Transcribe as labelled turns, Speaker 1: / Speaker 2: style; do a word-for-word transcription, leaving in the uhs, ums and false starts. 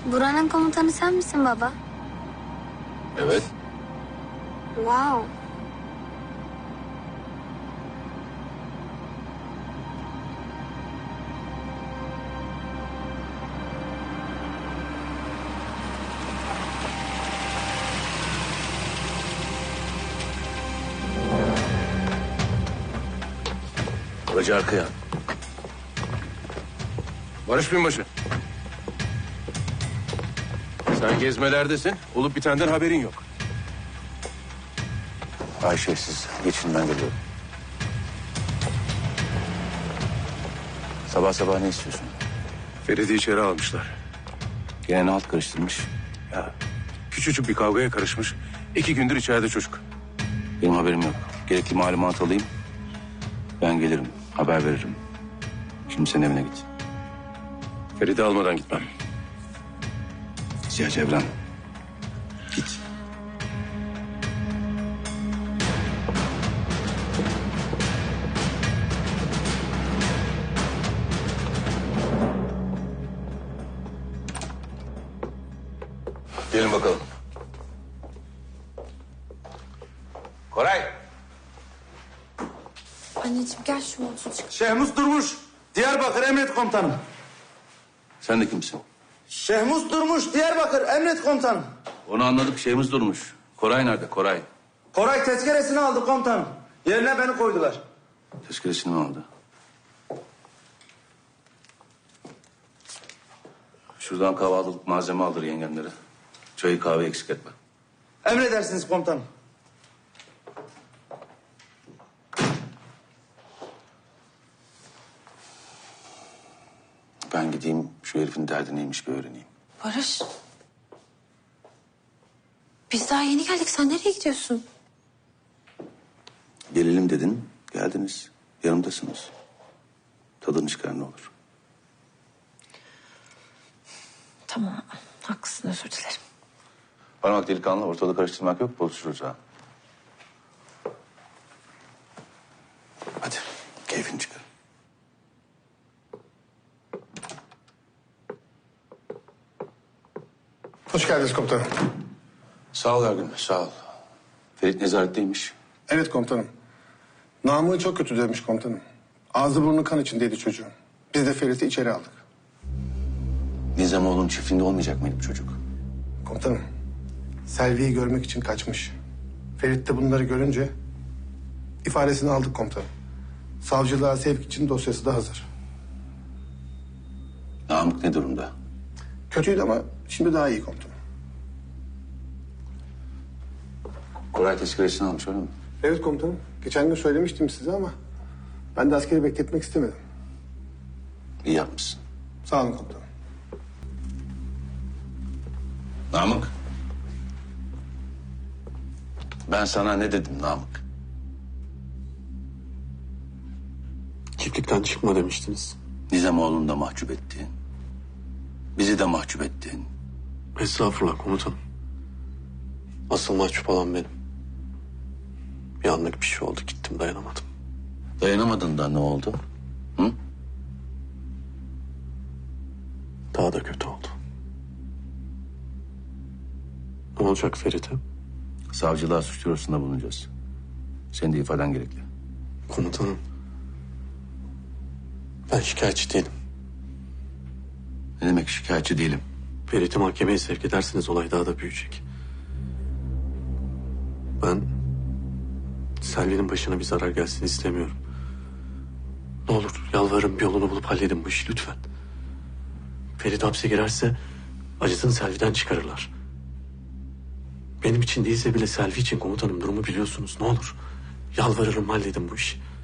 Speaker 1: Buranın komutanı sen misin baba?
Speaker 2: Evet.
Speaker 1: Wow.
Speaker 2: Hoca arkaya. Barış Binbaşı. Sen gezmelerdesin. Olup bitenden haberin yok.
Speaker 3: Ayşe siz geçin, ben geliyorum. Sabah sabah ne istiyorsun?
Speaker 2: Ferit'i içeri almışlar.
Speaker 3: Gene ne halt karıştırmış?
Speaker 2: Ya küçücük bir kavgaya karışmış. İki gündür içeride çocuk.
Speaker 3: Benim haberim yok. Gerekli malumat alayım. Ben gelirim, haber veririm. Şimdi sen evine git.
Speaker 2: Ferit'i almadan gitmem.
Speaker 3: Ziya Cevran, git.
Speaker 2: Gelin bakalım. Koray.
Speaker 1: Anneciğim gel şu montu çık.
Speaker 4: Şehmus Durmuş, Diyarbakır Emret Komutanım.
Speaker 3: Sen de kimsin?
Speaker 4: Şehmus Durmuş, Diyarbakır Emret Komutanım.
Speaker 3: Onu anladık, şeyimiz durmuş. Koray nerede, Koray?
Speaker 4: Koray tezkeresini aldı komutanım. Yerine beni koydular.
Speaker 3: Tezkeresini mi aldı? Şuradan kahvaltılık malzeme aldır yengenlere. Çayı kahve eksik etme.
Speaker 4: Emredersiniz komutanım.
Speaker 3: Ben gideyim, şu herifin derdi neymiş bir öğreneyim.
Speaker 5: Barış. Biz daha yeni geldik. Sen nereye gidiyorsun?
Speaker 3: Gelelim dedin, geldiniz. Yanımdasınız. Tadını çıkar ne olur.
Speaker 5: Tamam. Haklısın. Özür dilerim.
Speaker 3: Parmak delikanlı, ortalığı karıştırmak yok, bozuşuruz ha. Hadi, keyfini çıkar.
Speaker 6: Hoş geldiniz komutanım.
Speaker 3: Sağ ol Ergün, sağ ol. Ferit nezaretteymiş.
Speaker 6: Evet komutanım. Namığı çok kötü demiş komutanım. Ağzı burnu kan içindeydi çocuğun. Biz de Ferit'i içeri aldık.
Speaker 3: Nizamoğlu'nun çiftliğinde olmayacak mıydı bu çocuk?
Speaker 6: Komutanım, Selvi'yi görmek için kaçmış. Ferit de bunları görünce ifadesini aldık komutanım. Savcılığa sevk için dosyası da hazır.
Speaker 3: Namık ne durumda?
Speaker 6: Kötüydü ama şimdi daha iyi komutanım.
Speaker 3: Koray tezkeresini almış öyle mi?
Speaker 6: Evet komutanım. Geçen gün söylemiştim size ama ben de askeri bekletmek istemedim.
Speaker 3: İyi yapmışsın.
Speaker 6: Sağ olun komutanım.
Speaker 3: Namık. Ben sana ne dedim Namık?
Speaker 7: Çiftlikten çıkma demiştiniz.
Speaker 3: Nizamoğlu'nu da mahcup ettin. Bizi de mahcup ettin.
Speaker 7: Estağfurullah komutanım. Asıl mahcup olan benim. Bir anlık bir şey oldu, gittim, dayanamadım.
Speaker 3: Dayanamadın da ne oldu? Hı?
Speaker 7: Daha da kötü oldu. Ne olacak Ferit'e?
Speaker 3: Savcılığa suç duyurusunda bulunacağız. Senin de ifaden gerekli.
Speaker 7: Komutanım. Ben şikayetçi değilim.
Speaker 3: Ne demek şikayetçi değilim?
Speaker 7: Ferit'i mahkemeye sevk ederseniz olay daha da büyüyecek. Ben Selvi'nin başına bir zarar gelsin istemiyorum. Ne olur yalvarırım, bir yolunu bulup halledin bu işi lütfen. Ferit hapse girerse acısını Selvi'den çıkarırlar. Benim için değilse bile Selvi için komutanım, durumu biliyorsunuz. Ne olur yalvarırım, halledin bu işi.